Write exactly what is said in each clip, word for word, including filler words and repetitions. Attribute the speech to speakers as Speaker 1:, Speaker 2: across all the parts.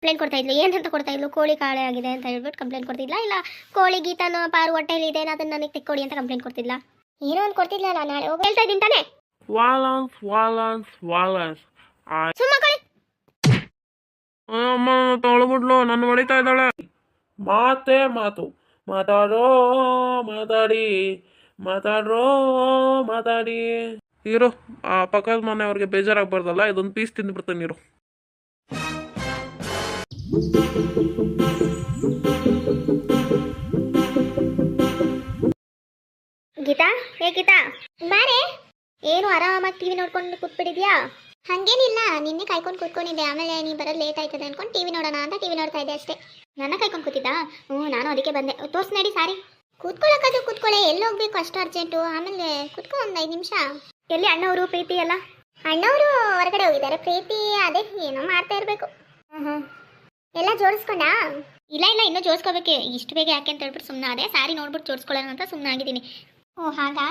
Speaker 1: Complaint ಕೊಡ್ತಾ ಇದ್ಲು. ಏನಂತ ಕೊಡ್ತಾ ಇದ್ಲು? ಕೋಳಿ ಕಾಳೆ ಆಗಿದೆ ಅಂತ ಹೇಳ್ಬಿಟ್ಟು ಕಂಪ್ಲೇಂಟ್ ಕೊಡ್ತಿದ್ಲ, ಇಲ್ಲ ಕೋಳಿ ಗೀತನ ಪಾರು ಹೊಟ್ಟೆಲಿ ಇದೆ ಅದನ್ನ ನನಗೆ ತೆಕ್ಕೊಡಿ ಅಂತ ಕಂಪ್ಲೇಂಟ್ ಕೊಡ್ತಿದ್ಲ. ಏನೋ ಒಂದು ಕೊಡ್ತಿದ್ಲಲ್ಲ. ನಾಳೆ ಹೋಗಿ ಹೇಳ್ತಾ ಇದ್ದೀನಿ ತಾನೆ.
Speaker 2: ವಾಲನ್ಸ್ ವಾಲನ್ಸ್ ವಾಲನ್ಸ್
Speaker 1: ಸುಮ್ಮ ಕಳಿ.
Speaker 2: ಅಮ್ಮ ತೊಳೆಬಿಡ್ಲು, ನನ್ನ ಹೊಡಿತಾ ಇದ್ದಾಳೆ. ಮಾತೇ ಮಾತು, ಮಾತಾಡೋ ಮಾತಾಡಿ, ಮಾತಾಡ್ರೋ ಮಾತಾಡಿ. ಇರು, ಆ ಪಕ್ಕದ ಮನೆಯವ್ರಿಗೆ ಬೇಜಾರಾಗ್ಬಾರ್ದಲ್ಲ, ಇದೊಂದು ಪೀಸ್ ತಿಂದ್ಬಿಡ್ತಾನೆ ಇರು.
Speaker 1: ಗೀತಾ, ಹೇ ಗೀತಾ ಬಾರೆ. ಏನು ಆರಾಮಾಗಿ ಟಿವಿ ನೋಡ್ಕೊಂಡು ಕೂತ್ಬಿಟ್ಟಿದ್ಯಾ? ಹಂಗೇನಿಲ್ಲ, ನಿನ್ನೆ ಕಾಯ್ಕೊಂಡು ಕೂತ್ಕೊಂಡಿದ್ದೆ. ಆಮೇಲೆ ನೀ ಬರೋದು ಲೇಟ್ ಆಯ್ತದೆ ಅನ್ಕೊಂಡು ಟಿವಿ ನೋಡೋಣ ಅಂತ ಟಿವಿ ನೋಡ್ತಾ ಇದ್ದೆ ಅಷ್ಟೇ. ನನ್ನ ಕಾಯ್ಕೊಂಡು ಕೂತಿದ್ದ? ಹ್ಞೂ, ನಾನು ಅದಕ್ಕೆ ಬಂದೆ. ತೋರ್ಸ್ ನಡಿ ಸಾರಿ. ಕೂತ್ಕೊಳ್ಳೋಕ್ಕಾದ್ರೂ ಕೂತ್ಕೊಳ್ಳೆ, ಎಲ್ಲಿ ಹೋಗ್ಬೇಕು ಅಷ್ಟು ಅರ್ಜೆಂಟು? ಆಮೇಲೆ ಕೂತ್ಕೊ ಒಂದು ಐದು ನಿಮಿಷ. ಎಲ್ಲಿ ಅಣ್ಣವರು ಪ್ರೀತಿ ಎಲ್ಲ? ಅಣ್ಣವರು ಹೊರಗಡೆ ಹೋಗಿದ್ದಾರೆ. ಪ್ರೀತಿ ಅದೇ ಏನೋ ಮಾಡ್ತಾ ಇರಬೇಕು. ಹ್ಞೂ ಹ್ಞೂ ಎಲ್ಲ ಜೋಡಿಸ್ಕೊಂಡಾ? ಇಲ್ಲ ಇಲ್ಲ, ಇನ್ನೂ ಜೋಡಿಸ್ಕೋಬೇಕೆ. ಇಷ್ಟು ಬೇಗ ಯಾಕೆ ಅಂತ ಹೇಳ್ಬಿಟ್ಟು ಸುಮ್ಮನೆ ಅದೇ. ಸಾರಿ ನೋಡ್ಬಿಟ್ಟು ಜೋಡಿಸ್ಕೊಳ್ಳೋಣ ಅಂತ ಸುಮ್ಮನೆ ಆಗಿದ್ದೀನಿ. ಓ ಹಾಗಾ?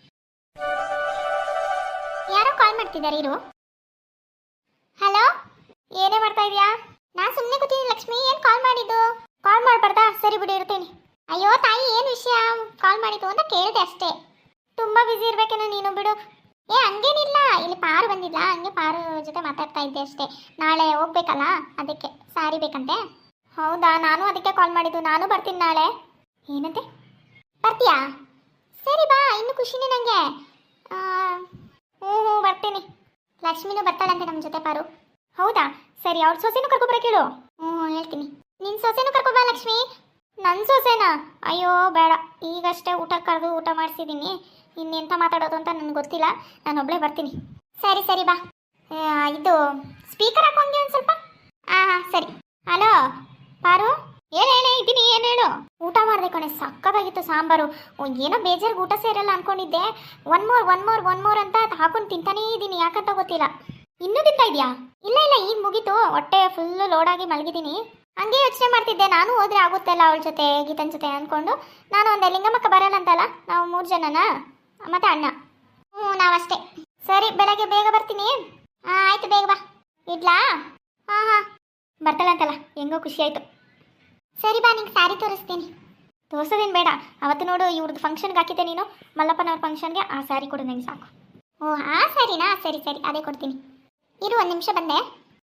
Speaker 1: ಯಾರೋ ಕಾಲ್ ಮಾಡ್ತಿದ್ದಾರೆ ಇರು. ಹಲೋ, ಏನೇ ಮಾಡ್ತಾ ಇದೀಯಾ? ನಾನು ಸುಮ್ಮನೆ ಕೂತಿದ್ದೀನಿ ಲಕ್ಷ್ಮಿ. ಏನು ಕಾಲ್ ಮಾಡಿದ್ದು? ಕಾಲ್ ಮಾಡಬಾರ್ದಾ? ಸರಿ ಬಿಡಿ, ಇರ್ತೀನಿ. ಅಯ್ಯೋ ತಾಯಿ, ಏನು ವಿಷಯ? ಕಾಲ್ ಮಾಡಿದ್ದು ಅಂತ ಕೇಳಿದೆ ಅಷ್ಟೇ. ತುಂಬ ಬ್ಯುಸಿ ಇರ್ಬೇಕೇನೋ ನೀನು, ಬಿಡು. ಏ ಹಂಗೇನಿಲ್ಲ, ಇಲ್ಲಿ ಪಾರು ಬಂದಿಲ್ಲ, ಹಂಗೆ ಪಾರು ಜೊತೆ ಮಾತಾಡ್ತಾ ಇದ್ದೆ ಅಷ್ಟೇ. ನಾಳೆ ಹೋಗ್ಬೇಕಲ್ಲ, ಅದಕ್ಕೆ ಸಾರಿ ಬೇಕಂತೆ. ಹೌದಾ, ನಾನು ಅದಕ್ಕೆ ಕಾಲ್ ಮಾಡಿದ್ದು. ನಾನು ಬರ್ತೀನಿ ನಾಳೆ. ಏನಂತೆ? ಬರ್ತೀಯಾ? ಸರಿ ಬಾ, ಇನ್ನು ಖುಷಿನೇ ನನಗೆ. ಹ್ಞೂ ಹ್ಞೂ ಬರ್ತೀನಿ. ಲಕ್ಷ್ಮಿನೂ ಬರ್ತಾಳಂತೆ ನಮ್ಮ ಜೊತೆ ಪಾರು. ಹೌದಾ, ಸರಿ. ಅವ್ರ ಸೊಸೆನೂ ಕರ್ಕೊಬರ ಕೇಳು. ಹ್ಞೂ ಹೇಳ್ತೀನಿ. ನಿನ್ನ ಸೊಸೆನೂ ಕರ್ಕೊಬಾ ಲಕ್ಷ್ಮಿ. ನನ್ನ ಸೊಸೆನಾ? ಅಯ್ಯೋ ಬೇಡ, ಈಗಷ್ಟೇ ಊಟ ಕರೆದು ಊಟ ಮಾಡಿಸಿದ್ದೀನಿ. ಇನ್ನೆಂಥ ಮಾತಾಡೋದು ಅಂತ ನನಗೆ ಗೊತ್ತಿಲ್ಲ. ನಾನು ಒಬ್ಬಳೇ ಬರ್ತೀನಿ. ಸರಿ ಸರಿ ಬಾ. ಇದು ಸ್ಪೀಕರ್ ಹಾಕೊಂಡೆ ಒಂದು ಸ್ವಲ್ಪ. ಹಾಂ ಹಾಂ ಸರಿ. ಹಲೋ ಪಾರು, ಏನು ಹೇಳಿ ಇದ್ದೀನಿ. ಏನು ಹೇಳು? ಊಟ ಮಾಡಿದೆ ಕಣೆ, ಸಕ್ಕತ್ತಾಗಿತ್ತು ಸಾಂಬಾರು. ಏನೋ ಬೇಜಾರಿಗೆ ಊಟ ಸೇರಲ್ಲ ಅನ್ಕೊಂಡಿದ್ದೆ. One more one more one more ಅಂತ ಹಾಕೊಂಡು ತಿಂತಾನೇ ಇದ್ದೀನಿ. ಯಾಕಂತ ಗೊತ್ತಿಲ್ಲ. ಇನ್ನೂ ತಿಂತಾ ಇದೆಯಾ? ಇಲ್ಲ ಇಲ್ಲ, ಈಗ ಮುಗೀತು. ಹೊಟ್ಟೆ ಫುಲ್ಲು ಲೋಡಾಗಿ ಮಲಗಿದ್ದೀನಿ. ಹಂಗೆ ಯೋಚನೆ ಮಾಡ್ತಿದ್ದೆ, ನಾನು ಹೋದ್ರೆ ಆಗುತ್ತಲ್ಲ ಅವಳ ಜೊತೆ, ಗೀತನ ಜೊತೆ ಅಂದ್ಕೊಂಡು. ನಾನು ಒಂದೇ ಲಿಂಗಮ್ಮಕ್ಕ ಬರಲ್ಲ ಅಂತಲ್ಲ, ನಾವು ಮೂರು ಜನನಾ ಮತ್ತೆ ಅಣ್ಣ. ಹ್ಞೂ ನಾವಷ್ಟೇ. ಸರಿ, ಬೆಳಗ್ಗೆ ಬೇಗ ಬರ್ತೀನಿ. ಹಾಂ ಆಯಿತು, ಬೇಗ ಬಾ. ಇಡ್ಲಾ? ಹಾಂ ಹಾಂ ಬರ್ತಾಳ ಅಂತಲ್ಲ, ಹೆಂಗೋ ಖುಷಿ ಆಯಿತು. ಸರಿ ಬಾ, ನಿಂಗೆ ಸ್ಯಾರಿ ತೋರಿಸ್ತೀನಿ. ತೋರಿಸೋದೇನು ಬೇಡ. ಅವತ್ತು ನೋಡು ಇವ್ರದ್ದು ಫಂಕ್ಷನ್ಗೆ ಹಾಕಿದ್ದೆ ನೀನು, ಮಲ್ಲಪ್ಪನವ್ರ ಫಂಕ್ಷನ್ಗೆ. ಆ ಸ್ಯಾರಿ ಕೊಡು ನನಗೆ ಸಾಕು. ಓ ಆ ಸ್ಯಾರಿನಾ? ಸರಿ ಸರಿ, ಅದೇ ಕೊಡ್ತೀನಿ. ಇರು, ಒಂದು ನಿಮಿಷ ಬಂದೆ.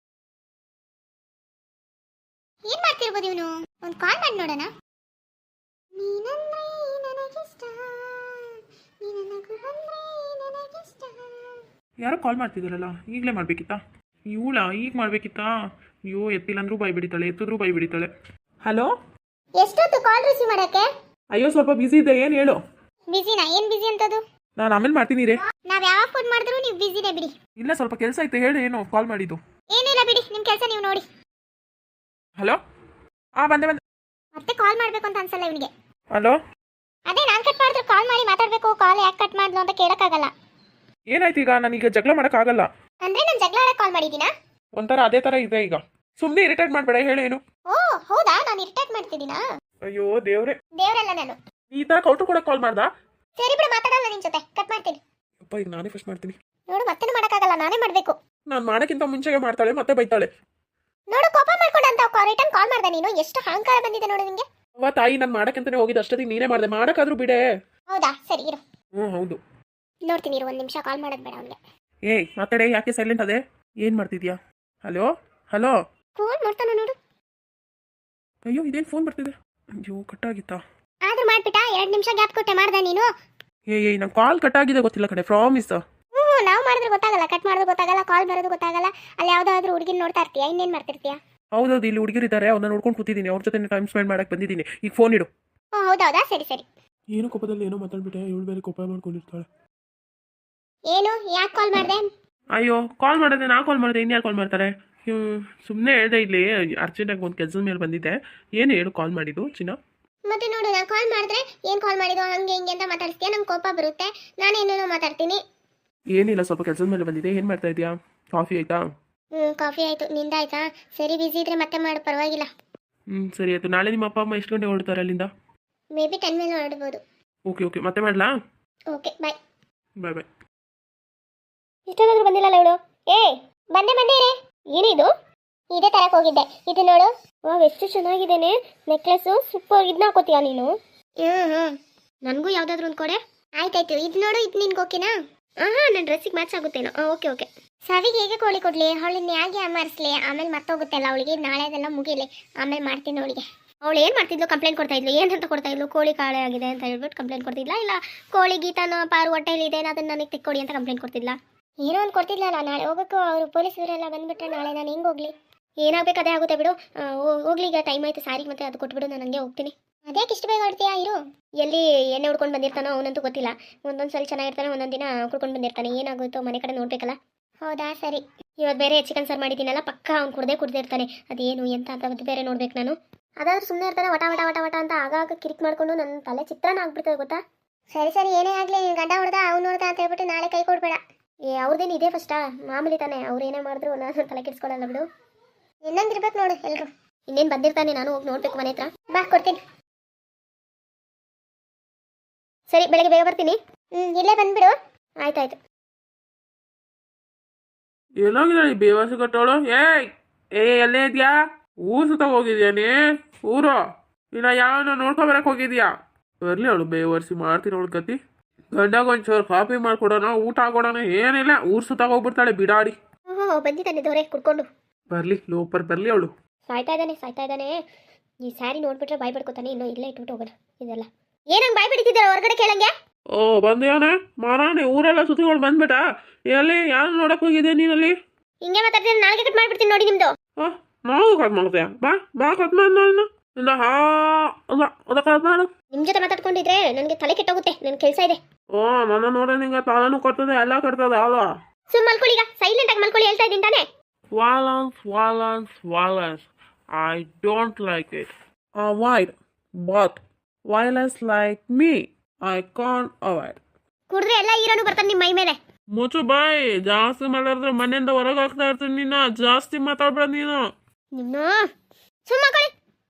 Speaker 1: ಏನು ಮಾಡ್ತಿರ್ಬೋದು ಇವನು? ಒಂದು ಕಾಲ್ ಮಾಡಿ ನೋಡೋಣ.
Speaker 2: ಯಾರೋ ಕಾಲ್ ಮಾಡ್ತಿದ್ದಾರಲ್ಲ, ಈಗಲೇ ಮಾಡಬೇಕಿತ್ತಾ? ಇವಳ ಈಗ ಮಾಡಬೇಕಿತ್ತಾ? ಅಯ್ಯೋ, ಎತ್ತಿಲ್ಲ ಅಂದ್ರೂ ಬಾಯಿ ಬಿಡಿತಾಳೆ, ಎತ್ತಿದ್ರೂ ಬಾಯಿ ಬಿಡಿತಾಳೆ. ಹಲೋ,
Speaker 1: ಎಷ್ಟೊತ್ತು ಕಾಲ್ ರಿಸೀವ್ ಮಾಡೋಕ್ಕೆ?
Speaker 2: ಅಯ್ಯೋ ಸ್ವಲ್ಪ ಬಿಸಿ ಇದೆ. ಏನು ಹೇಳು?
Speaker 1: ಬಿಸಿನಾ? ಏನು ಬಿಸಿ ಅಂತದು?
Speaker 2: ನಾನು ಆಮೇಲೆ ಮಾಡ್ತೀನಿ ರೇ.
Speaker 1: ನಾವು ಯಾವಾಗ ಫೋನ್ ಮಾಡಿದ್ರು ನೀವು ಬಿಸಿನೇ ಬಿಡಿ.
Speaker 2: ಇಲ್ಲ, ಸ್ವಲ್ಪ ಕೆಲಸ ಐತೆ. ಹೇಳು, ಏನು ಕಾಲ್ ಮಾಡಿದ್ದು?
Speaker 1: ಏನಿಲ್ಲ ಬಿಡಿ, ನಿಮ್ಮ ಕೆಲಸ ನೀವು ನೋಡಿ.
Speaker 2: ಹಲೋ, ಹಾಂ ಬಂದೆ ಬಂದೆ.
Speaker 1: ಮತ್ತೆ ಕಾಲ್ ಮಾಡಬೇಕು ಅಂತ ಅನ್ಸಲ್ಲ ಇವನಿಗೆ.
Speaker 2: ಹಲೋ,
Speaker 1: ಅದೇ ನಾನು ಕಟ್ ಮಾಡಿದ್ರೆ ಕಾಲ್ ಮಾಡಿ ಮಾತಾಡಬೇಕು. ಕಾಲ್ ಯಾಕೆ ಕಟ್ ಮಾಡಿದ್ಲು ಅಂತ ಕೇಳೋಕ್ಕಾಗಲ್ಲ.
Speaker 2: ಏನಾಯ್ತು ಈಗ? ನಾನೀಗ ಜಗಳ ಮಾಡೋಕ್ಕಾಗಲ್ಲ.
Speaker 1: ಅಂದ್ರೆ ನಾನು ಜಗಳ ಆಡಕ್ಕೆ ಕಾಲ್ ಮಾಡಿದ್ದೀನಾ?
Speaker 2: ಒಂಥರ ಅದೇ ಥರ ಇದೆ ಈಗ. ಸುಮ್ಮನೆ ಇರಿಟೇಟ್ ಮಾಡಬೇಡ, ಹೇಳೇನು?
Speaker 1: ಓ ಹೌದಾ, ನಾನು ಇರಿಟೇಟ್ ಮಾಡ್ತಿದ್ದೀನಾ?
Speaker 2: ಅಯ್ಯೋ ದೇವ್ರೆ,
Speaker 1: ದೇವರಲ್ಲ ನಾನು.
Speaker 2: ಈ ಥರ ಕೌಂಟ್ರ್ ಕೊಡಕ್ಕೆ ಕಾಲ್ ಮಾಡ್ದಾ?
Speaker 1: ಸರಿ ಬಿಡು, ಮಾತಾಡಲ್ಲ ನಿನ್ನ ಜೊತೆ, ಕಟ್ ಮಾಡ್ತೀನಿ.
Speaker 2: ಅಪ್ಪ, ಈಗ ನಾನೇ ಫಸ್ಟ್ ಮಾಡ್ತೀನಿ.
Speaker 1: ನೋಡು, ಮತ್ತೇನು ಮಾಡೋಕ್ಕಾಗಲ್ಲ, ನಾನೇ ಮಾಡಬೇಕು.
Speaker 2: ನಾನು ಮಾಡೋಕ್ಕಿಂತ ಮುಂಚೆಗೆ ಮಾಡ್ತಾಳೆ, ಮತ್ತೆ ಬೈತಾಳೆ.
Speaker 1: ನೋಡು, ಕೋಪ ಮಾಡ್ಕೊಂಡು ಅಂತ ರಿಟರ್ನ್ ಕಾಲ್ ಮಾಡ್ದೆ ನೀನು. ಎಷ್ಟು ಅಹಂಕಾರ ಬಂದಿದೆ ನೋಡು ನಿಂಗೆ.
Speaker 2: ಅವ್ವ ತಾಯಿ, ನಾನು ಮಾಡೋಕ್ಕಂತಾನೆ ಹೋಗಿದ್ದು, ಅಷ್ಟೊತ್ತಿಗೆ ನೀನೇ ಮಾಡಿದೆ. ಮಾಡೋಕ್ಕಾದ್ರೂ ಬಿಡೆ.
Speaker 1: ಹೌದಾ, ಸರಿ ಇರು.
Speaker 2: ಹ್ಞೂ ಹೌದು,
Speaker 1: ನೋಡ್ತೀನಿ ಇರು, ಒಂದು ನಿಮಿಷ. ಕಾಲ್ ಮಾಡೋದು ಬೇಡ ಅವನಿಗೆ.
Speaker 2: ಏಯ್ ಮಾತಾಡೆ, ಯಾಕೆ ಸೈಲೆಂಟ್ ಅದೇ? ಏನು ಮಾಡ್ತಿದ್ಯಾ? Hello hello.
Speaker 1: ಫೋನ್ ಮಾಡ್ತಾನೆ ನೋಡು.
Speaker 2: ಅಯ್ಯೋ, ಇದೇನು ಫೋನ್ ಬರ್ತಿದೆ? ಅಯ್ಯೋ, ಕಟ್ಟಾಗಿತ್ತಾ?
Speaker 1: ಆದ್ರೂ ಮಾಡ್ಬಿಟ್ಟ. ಎರಡು ನಿಮಿಷ ಗ್ಯಾಪ್ ಕೊಟ್ಟೆ ಮಾಡ್ದೆ ನೀನು.
Speaker 2: ಏ ಏಯ್ ನಂಗೆ ಕಾಲ್ ಕಟ್ಟಾಗಿದೆ, ಗೊತ್ತಿಲ್ಲ ಕಡೆ, ಪ್ರಾಮಿಸ್.
Speaker 1: ಹ್ಞೂ, ನಾವು ಮಾಡಿದ್ರೆ ಗೊತ್ತಾಗಲ್ಲ, ಕಟ್ ಮಾಡೋದು ಗೊತ್ತಾಗಲ್ಲ, ಕಾಲ್ ಬರೋದು ಗೊತ್ತಾಗಲ್ಲ. ಅಲ್ಲಿ ಯಾವುದಾದ್ರೂ ಹುಡುಗಿನ ನೋಡ್ತಾ ಇರ್ತೀಯಾ? ಇನ್ನೇನು ಮಾಡ್ತಿರ್ತೀಯಾ?
Speaker 2: ಹೌದೌದು, ಇಲ್ಲಿ ಹುಡುಗಿರಿದ್ದಾರೆ, ಅವ್ರನ್ನ ನೋಡ್ಕೊಂಡು ಕೂತಿದ್ದೀನಿ. ಅವ್ರ ಜೊತೆ ಟೈಮ್ ಸ್ಪೆಂಡ್ ಮಾಡಕ್ಕೆ ಬಂದಿದ್ದೀನಿ. ಈಗ ಫೋನ್ ಇಡು.
Speaker 1: ಹ್ಞೂ ಹೌದೌದಾ, ಸರಿ ಸರಿ.
Speaker 2: ಏನೋ ಕೋಪದಲ್ಲಿ ಏನೋ ಮಾತಾಡ್ಬಿಟ್ಟೆ. ಇವಳು ಬೇರೆ ಕೋಪ ಮಾಡ್ಕೊಂಡಿರ್ತಾಳೆ.
Speaker 1: ಏನು, ಯಾಕೆ ಕಾಲ್ ಮಾಡಿದೆ?
Speaker 2: ಅಯ್ಯೋ, ಕಾಲ್ ಮಾಡಿದೆ, ನಾ ಕಾಲ್ ಮಾಡಿದೆ, ಇನ್ಯಾರು ಕಾಲ್ ಮಾಡ್ತಾರೆ? ಸುಮ್ಮನೆ ಹೇಳಿದೆ, ಇಲ್ಲಿ ಅರ್ಜೆಂಟಾಗಿ ಒಂದು ಕೆಲಸದ ಮೇಲೆ ಬಂದಿದ್ದೆ. ಏನು ಹೇಳು ಕಾಲ್ ಮಾಡಿದ್ದು ಚಿನ್ನ?
Speaker 1: ಮತ್ತೆ ನೋಡು, ನಾನು ಕಾಲ್ ಮಾಡಿದ್ರೆ ಏನು ಕಾಲ್ ಮಾಡಿದ್ದು ಹಂಗೆ ಹಿಂಗೆ ಅಂತ ಮಾತಾಡ್ತೀಯ, ನಂಗೆ ಕೋಪ ಬರುತ್ತೆ. ನಾನೇನೇನೋ ಮಾತಾಡ್ತೀನಿ.
Speaker 2: ಏನಿಲ್ಲ, ಸ್ವಲ್ಪ ಕೆಲಸದ ಮೇಲೆ ಬಂದಿದೆ. ಏನು ಮಾಡ್ತಾ ಇದೆಯಾ? ಕಾಫಿ ಆಯ್ತಾ?
Speaker 1: ಹ್ಞೂ ಕಾಫಿ ಆಯಿತು, ನಿಂದಾಯ್ತಾ? ಸರಿ, ಬಿಸಿ ಇದ್ರೆ ಮತ್ತೆ ಮಾಡು, ಪರವಾಗಿಲ್ಲ.
Speaker 2: ಹ್ಞೂ ಸರಿ ಆಯಿತು. ನಾಳೆ ನಿಮ್ಮ ಅಪ್ಪ ಅಮ್ಮ ಎಷ್ಟು ಗಂಟೆ ಹೊರಡ್ತಾರೆ ಅಲ್ಲಿಂದ?
Speaker 1: ಮೇ ಬಿ ಟೆನ್ ಮೇಲೆ ಹೊರಡ್ಬೋದು.
Speaker 2: ಓಕೆ ಓಕೆ, ಮತ್ತೆ ಮಾಡಲಾ?
Speaker 1: Okay bye.
Speaker 2: ಬಾಯ್ ಬಾಯ್.
Speaker 1: ಇಷ್ಟೊಂದಾದ್ರೂ ಬಂದಿಲ್ಲಲ್ಲ ಇವಳು. ಏ ಬಂದೆ ಬಂದೆ ರೇ. ಏನಿದು? ಇದೇ ತರಕ್ ಹೋಗಿದ್ದೆ. ಇದು ನೋಡು, ವಾವ್ ಎಷ್ಟು ಚೆನ್ನಾಗಿದ್ದೇನೆ ನೆಕ್ಲೆಸ್ಸು, ಸೂಪರ್. ಇದನ್ನ ಹಾಕೋತೀಯಾ ನೀನು? ಹ್ಮ್ ಹ್ಮ್ ನನಗೂ ಯಾವ್ದಾದ್ರು ಒಂದು ಕೊಡೆ. ಆಯ್ತಾಯ್ತು, ಇದು ನೋಡು, ಇದು ನಿನ್ಗೆ ಓಕೆನಾ? ಹಾಂ ಹಾಂ ನನ್ನ ಡ್ರೆಸ್ಸಿಗೆ ಮ್ಯಾಚ್ ಆಗುತ್ತೇನೋ. Okay okay. ಸಾವಿಗೆ ಹೇಗೆ ಕೋಳಿ ಕೊಡ್ಲಿ? ಅವಳನ್ನ ಹೇಗೆ ಅಮರ್ಸ್ಲಿ? ಆಮೇಲೆ ಮರ್ತೋಗುತ್ತಲ್ಲ ಅವಳಿಗೆ, ನಾಳೆ ಅದೆಲ್ಲ ಮುಗಿಲಿ, ಆಮೇಲೆ ಮಾಡ್ತೀನಿ ಅವಳಿಗೆ. ಅವಳು ಏನು ಮಾಡ್ತಿದ್ಲು? ಕಂಪ್ಲೇಂಟ್ ಕೊಡ್ತಾ ಇದ್ಲು. ಏನಂತ ಕೊಡ್ತಾ ಇದ್ಲು? ಕೋಳಿ ಕಾಳೆ ಆಗಿದೆ ಅಂತ ಹೇಳ್ಬಿಟ್ಟು ಕಂಪ್ಲೇಂಟ್ ಕೊಡ್ತಿದ್ಲ, ಇಲ್ಲ ಕೋಳಿ ಗೀತಾನ ಪಾರು ಹೊಟ್ಟೆಲಿ ಇದೆ ಅದನ್ನ ನನಗೆ ತೆಕ್ಕೊಡಿ ಅಂತ ಕಂಪ್ಲೇಂಟ್ ಕೊಡ್ತಿದ್ಲ. ಏನೋ ಒಂದು ಕೊಡ್ತಿದ್ಲಲ್ಲ. ನಾಳೆ ಹೋಗೋಕ್ಕೂ ಅವರು ಪೊಲೀಸರೆಲ್ಲ ಬಂದ್ಬಿಟ್ರೆ ನಾಳೆ ನಾನು ಹೆಂಗೆ ಹೋಗ್ಲಿ? ಏನಾಗಬೇಕು ಅದೇ ಆಗುತ್ತೆ ಬಿಡು. ಹೋಗ್ಲಿ, ಈಗ ಟೈಮ್ ಆಯ್ತು, ಸಾರಿಗೆ ಮತ್ತೆ ಅದು ಕೊಟ್ಬಿಡು, ನಾನು ಹಂಗೆ ಹೋಗ್ತೀನಿ. ಅದ್ಯಾಕೆ ಇಷ್ಟು ಬೇಗ ಹೊಡ್ತೀಯಾ? ಇರು. ಎಲ್ಲಿ ಎಣ್ಣೆ ಹುಡ್ಕೊಂಡು ಬಂದಿರ್ತಾನೋ ಅವನಂತೂ ಗೊತ್ತಿಲ್ಲ. ಒಂದೊಂದು ಸಲ ಚೆನ್ನಾಗಿರ್ತಾನೆ, ಒಂದೊಂದು ದಿನ ಕುಡ್ಕೊಂಡು ಬಂದಿರ್ತಾನೆ. ಏನಾಗುತ್ತೋ ಮನೆ ಕಡೆ ನೋಡ್ಬೇಕಲ್ಲ. ಹೌದಾ, ಸರಿ. ಇವತ್ತು ಬೇರೆ ಚಿಕನ್ ಸಾರು ಮಾಡಿದ್ದೀನಲ್ಲ, ಪಕ್ಕ ಅವ್ನು ಕುಡ್ದೇ ಕುಡ್ದಿರ್ತಾನೆ. ಅದೇನು ಎಂತ ಅಂತ ಅದು ಬೇರೆ ನೋಡ್ಬೇಕು ನಾನು. ಅದಾದ್ರೂ ಸುಮ್ಮನೆ ಇರ್ತಾನೆ, ವಟ ವಟ ವಟ ವಟ ಅಂತ ಆಗಾಗ ಕಿರಿಕ್ ಮಾಡ್ಕೊಂಡು ನನ್ನ ತಲೆ ಚಿತ್ರನ ಆಗ್ಬಿಡ್ತದೆ ಗೊತ್ತಾ. ಸರಿ ಸರಿ, ಏನೇ ಆಗಲಿ, ನೀನು ಗಂಡ ಹೊಡೆದ ಅವ್ನು ಹೊಡೆದ ಅಂತ ಹೇಳ್ಬಿಟ್ಟು ನಾಳೆ ಕೈ ಕೊಡ್ಬೇಡ. ಏ ಅವ್ರದ್ದೇನು ಇದೆ ಫಸ್ಟಾ? ಮಾಮೂಲಿ ತಾನೆ, ಅವ್ರು ಏನೇ ಮಾಡಿದ್ರು ನಾನು ತಲೆ ಕೆಡಿಸ್ಕೊಳ್ಳಲ್ಲ ಬಿಡು. ಇನ್ನೊಂದಿರ್ಬೇಕು ನೋಡು ಎಲ್ಲರೂ. ಇನ್ನೇನು ಬಂದಿರ್ತಾನೆ, ನಾನು ಹೋಗಿ ನೋಡ್ಬೇಕು ಮನೆ ಹತ್ರ. ಬಾ, ಕೊಡ್ತೀನಿ. ಸರಿ, ಬೆಳಗ್ಗೆ ಬೇಗ ಬರ್ತೀನಿ. ಹ್ಞೂ, ಇಲ್ಲೇ ಬಂದ್ಬಿಡು. ಆಯ್ತಾಯ್ತು.
Speaker 2: ಎಲ್ಲೋಗಿದ್ದಾಳೆ ಈ ಬೇವಾಸಿ ಕಟ್ಟೋಳು? ಏಯ್ ಏ ಎಲ್ಲೇ ಇದೆಯಾ? ಊರು ಸುತ್ತ ಹೋಗಿದ್ಯಾನಿ? ಊರು ಇಲ್ಲ ಯಾವನ ನೋಡ್ಕೊಬರಕ್ಕೆ ಹೋಗಿದ್ಯಾ? ಬರಲಿ ಅವಳು ಬೇವರ್ಸಿ, ಮಾಡ್ತೀನಿ ಅವಳು ಗತಿ. ಗಂಡಾಗ ಒಂಚೂರು ಕಾಫಿ ಮಾಡ್ಕೊಡೋಣ, ಊಟ ಹಾಕೊಡೋಣ, ಏನಿಲ್ಲ. ಊರು ಸುತ್ತ ಹೋಗ್ಬಿಡ್ತಾಳೆ ಬಿಡಾಡಿ.
Speaker 1: ಓಹೋ, ಬಂದಿದ್ದಾನೆ ದೊರೆ ಕುಡ್ಕೊಂಡು.
Speaker 2: ಬರಲಿ ಲೋಪರ್, ಬರಲಿ ಅವಳು.
Speaker 1: ಸಾಯ್ತಾ ಇದ್ದಾನೆ ಸಾಯ್ತಾ ಇದ್ದಾನೆ. ಈ ಸ್ಯಾರಿ ನೋಡ್ಬಿಟ್ರೆ ಬಾಯ್ ಬಿಡ್ಕೊತಾನೆ. ಇನ್ನೂ ಇಲ್ಲೇ ಇಟ್ಬಿಟ್ಟು ಹೋಗೋಣ. ಇದೆಲ್ಲ ಏನಂಗೆ ಬಾಯ್ ಬಿಡ್ತಿದ್ದಾರೆ ಹೊರಗಡೆ ಕೇಳಂಗೆ?
Speaker 2: ಓ ಬಂದ್ಯಾನೆ ಮಾರಾಣಿ, ಊರೆಲ್ಲ ಸುತ್ತಿಕೊಂಡು ಬಂದ್ಬಿಟ್ಟ. ಎಲ್ಲಿ ಯಾರು ನೋಡಕ್ ಹೋಗಿದ್ದೆ ನೀನಲ್ಲಿ?
Speaker 1: ಹಿಂಗೆ ಮಾತಾಡ್ತೀನಿ, ನಾಲ್ಗೆ ಕಟ್ ಮಾಡ್ಬಿಡ್ತೀನಿ ನೋಡಿ ನಿಮ್ದು.
Speaker 2: ಹಾ, ನಾವು ಕಟ್ ಮಾಡ್ತೀಯ? ಬಾ ಬಾ ಕಟ್ ಮಾಡ. ಇಲ್ಲ ಹಾ ಅಲ್ಲ ಅದ ಕಟ್ ಮಾಡು.
Speaker 1: ನಿಮ್ ಜೊತೆ ಮಾತಾಡ್ಕೊಂಡಿದ್ರೆ ನನಗೆ ತಲೆ ಕೆಟ್ಟೋಗುತ್ತೆ. ನನ್ನ ಕೆಲಸ ಇದೆ.
Speaker 2: ಓ ನನ್ನ ನೋಡ ನಿಂಗೆ ತಾಳನು ಕೊಡ್ತದೆ, ಎಲ್ಲ ಕಟ್ತದೆ ಅಲ್ವಾ?
Speaker 1: ಸುಮ್ ಮಲ್ಕೊಳ್ಳಿ, ಈಗ ಸೈಲೆಂಟ್ ಆಗಿ ಮಲ್ಕೊಳ್ಳಿ, ಹೇಳ್ತಾ ಇದ್ದೀನಿ ತಾನೆ.
Speaker 2: Violence, violence, violence. I don't like it. Avoid, but violence like me, I can't avoid.
Speaker 1: ಕುಡ್ರೆ ಎಲ್ಲ ಹೀರೋನು ಬರ್ತಾನೆ ನಿಮ್ಮ ಮೈ ಮೇಲೆ.
Speaker 2: ಮುಚ್ಚು ಬಾಯ್, ಜಾಸ್ತಿ ಮಾತಾಡಿದ್ರೆ ಮನೆಯಿಂದ ಹೊರಗೆ ಹಾಕ್ತಾ ಇರ್ತೀನಿ. ನೀನು ಜಾಸ್ತಿ ಮಾತಾಡ್ಬೇಡ ನೀನು.
Speaker 1: ನಿನ್ನ ಸುಮ್ಮ ಮಲ್ಕೊಳ್ಳಿ.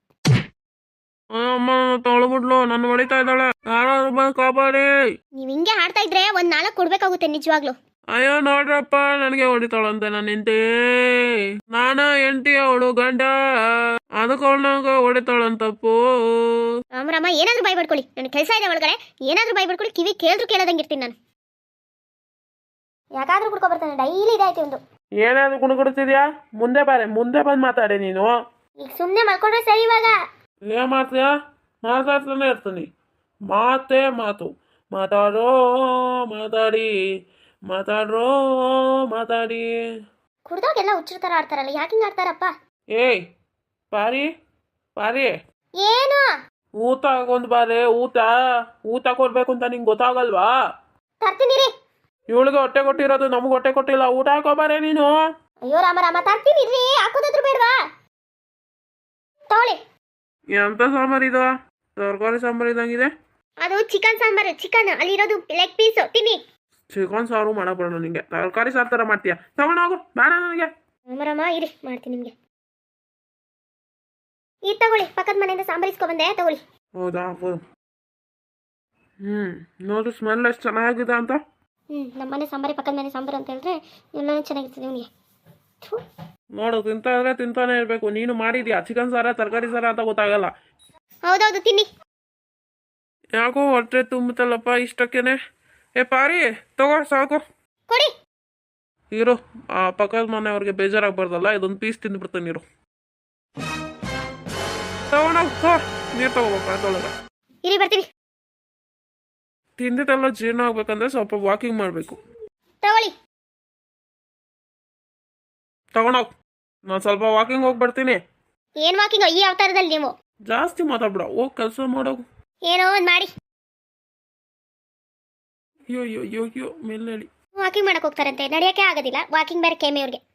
Speaker 2: ಅಮ್ಮ ತೊಳ್ಬಿಡ್ಲು, ನನ್ನ ಹೊಡಿತಾ ಇದ್ದಾಳೆ. ಯಾರಾದ್ರು ಬಂದು ಕಾಪಾಡಿ.
Speaker 1: ನೀವ್ ಹಿಂಗೆ ಹಾಡ್ತಾ ಇದ್ರೆ ಒಂದ್ ನಾಲ್ಕು ಕೊಡ್ಬೇಕಾಗುತ್ತೆ ನಿಜವಾಗ್ಲು.
Speaker 2: ಅಯ್ಯೋ ನೋಡ್ರಪ್ಪ, ನನಗೆ ಹೊಡಿತಾಳಂತೆ ನನ್ನ ಹೆಂಡತಿ. ನಾನು ಹೆಂಡತಿ, ಅವಳು ಗಂಡ, ಅದಕ್ಕೆ ಅವಳನಾಗ ಹೊಡಿತಾಳಂತಪ್ಪು.
Speaker 1: ರಾಮರಾಮ, ಏನಾದ್ರೂ ಬಾಯ್ ಬಿಡ್ಕೊಳ್ಳಿ. ನನ್ನ ಕೆಲಸ ಇದೆ ಒಳಗಡೆ. ಏನಾದ್ರೂ ಬಾಯ್ ಬಿಡ್ಕೊಳ್ಳಿ, ಕಿವಿ ಕೇಳಿದ್ರು ಕೇಳದಂಗಿರ್ತೀನಿ ನಾನು. ಯಾಕಾದ್ರೂ ಕುಡ್ಕೊ ಬರ್ತಾನೆ, ಡೈಲಿ ಇದಾಯ್ತು ಒಂದು.
Speaker 2: ಏನಾದ್ರು ಕುಣುಗುಡ್ತಿದ್ಯಾ? ಮುಂದೆ ಬಾರೆ, ಮುಂದೆ ಬಂದು ಮಾತಾಡಿ ನೀನು.
Speaker 1: ಈಗ ಸುಮ್ಮನೆ ಮಲ್ಕೊಂಡ್ರೆ ಸರಿ. ಇವಾಗ
Speaker 2: ಏನ್ ಮಾಡ್ತೀಯಾ? ಮಾತಾಡ್ತಾನೆ ಇರ್ತೀನಿ. ಮಾತೇ ಮಾತು. ಮಾತಾಡೋ ಮಾತಾಡಿ, ಮಾತಾಡ್ರೋ ಮಾತಾಡಿ.
Speaker 1: ಕುಡ್ದಾಗೆಲ್ಲ ಹುಚ್ಚರ ಥರ ಆಡ್ತಾರಲ್ಲ, ಯಾಕೆ ಹಿಂಗೆ ಆಡ್ತಾರಪ್ಪ?
Speaker 2: ಏಯ್ ಪಾರಿ ಪಾರಿ,
Speaker 1: ಏನು
Speaker 2: ಊಟ ಹಾಕೊಂಡ್ ಬಾರೆ. ಊಟ ಊಟ ಕೊಡ್ಬೇಕು ಅಂತ ನಿಂಗೆ ಗೊತ್ತಾಗಲ್ವಾ?
Speaker 1: ತರ್ತೀನಿ ರೀ.
Speaker 2: ಇವಳಿಗೆ ಹೊಟ್ಟೆ ಕೊಟ್ಟಿರೋದು, ನಮ್ಗೆ ಹೊಟ್ಟೆ ಕೊಟ್ಟಿಲ್ಲ. ಊಟ ಹಾಕೋಬಾರೆ ನೀನು.
Speaker 1: ಅಯ್ಯೋ ರಾಮ ರಾಮ, ತರ್ತೀನಿ ರೀ. ಹಾಕೋದಾದ್ರು ಬೇಡವಾ? ತಗೊಳ್ಳಿ.
Speaker 2: ಎಂತ ಸಾಂಬಾರು ಇದು? ತರಕಾರಿ ಸಾಂಬಾರು ಇದ್ದಂಗಿದೆ.
Speaker 1: ಅದು ಚಿಕನ್ ಸಾಂಬಾರು. ಚಿಕನ್ ಅಲ್ಲಿರೋದು ಲೆಗ್ ಪೀಸು. ತಿನ್ನಿ.
Speaker 2: ಚಿಕನ್ ಸಾರು ಮಾಡಕ್ ಬರೋಣ ನಿಂಗೆ? ತರಕಾರಿ ಸಾರು ತರ ಮಾಡ್ತೀಯ? ತಗೊಂಡೋಗು, ಬೇಡ ನನಗೆ.
Speaker 1: ರಾಮ ಇರಿ, ಮಾಡ್ತೀನಿ ನಿಮಗೆ. ಇದು ತಗೊಳ್ಳಿ, ಪಕ್ಕದ ಮನೆಯಿಂದ ಸಾಂಬಾರು ಇಸ್ಕೊ ಬಂದೆ, ತಗೊಳ್ಳಿ.
Speaker 2: ಹೌದಾ? ಹೌದು. ಹ್ಮ್ ನೋಡು ಸ್ಮೆಲ್ ಎಷ್ಟು ಚೆನ್ನಾಗಿದೆ ಅಂತ.
Speaker 1: ಹ್ಮ್ ನಮ್ಮ ಮನೆ ಸಾಂಬಾರಿ ಪಕ್ಕದ ಮನೆ ಸಾಂಬಾರು ಅಂತ ಹೇಳಿದ್ರೆ ಎಲ್ಲನೂ ಚೆನ್ನಾಗಿರ್ತದೆ ನಿಮಗೆ.
Speaker 2: ನೋಡು, ತಿಂತಾ ಇದ್ರೆ ತಿಂತಾನೆ ಇರ್ಬೇಕು. ನೀನು ಮಾಡಿದ್ಯಾ ಚಿಕನ್ ಸಾರ ತರಕಾರಿ ಸಾರ ಅಂತ ಗೊತ್ತಾಗಲ್ಲ.
Speaker 1: ಹೌದೌದು, ತಿನ್ನಿ.
Speaker 2: ಯಾಕೋ ಹೊಟ್ಟೆ ತುಂಬುತ್ತಲ್ಲಪ್ಪ ಇಷ್ಟಕ್ಕೇನೆ. ಏ ಪಾರಿ, ತಗೋ ಸಾಕು.
Speaker 1: ಕೊಡಿ.
Speaker 2: ಇರು, ಆ ಪಕ್ಕದ ಮನೆಯವ್ರಿಗೆ ಬೇಜಾರಾಗ್ಬಾರ್ದಲ್ಲ, ಇದೊಂದು ಪೀಸ್ ತಿಂದ್ಬಿಡ್ತಾನೆ. ನೀರು ತಗೊಂಡೋಗ, ನೀರು ತಗೋಬೇಕ ಅದೊಳಗೆ.
Speaker 1: ಇರಿ, ಬರ್ತೀನಿ.
Speaker 2: ತಿಂದಿದ್ದೆಲ್ಲ ಜೀರ್ಣ ಆಗ್ಬೇಕಂದ್ರೆ ಸ್ವಲ್ಪ ವಾಕಿಂಗ್ ಮಾಡಬೇಕು.
Speaker 1: ತಗೊಳ್ಳಿ.
Speaker 2: ತಗೊಂಡೋಗ್, ನಾನು ಸ್ವಲ್ಪ ವಾಕಿಂಗ್ ಹೋಗಿ ಬರ್ತೀನಿ.
Speaker 1: ಏನ್ ವಾಕಿಂಗ್ ಈ ಅವತಾರದಲ್ಲಿ ನೀವು?
Speaker 2: ಜಾಸ್ತಿ ಮಾತಾಡ್ಬಿಡ, ಹೋಗಿ ಕೆಲಸ ಮಾಡೋಗು.
Speaker 1: ಏನೋ ಒಂದು ಮಾಡಿ.
Speaker 2: ಅಯ್ಯೋ ಅಯ್ಯೋ ಅಯ್ಯೋ ಅಯ್ಯೋ ಮೇಲೆ ಹೇಳಿ.
Speaker 1: ವಾಕಿಂಗ್ ಮಾಡಕ್ ಹೋಗ್ತಾರಂತೆ, ನಡೆಯೋಕೆ ಆಗೋದಿಲ್ಲ. ವಾಕಿಂಗ್ ಬೇರೆ ಕೇಮೆ ಅವ್ರಿಗೆ.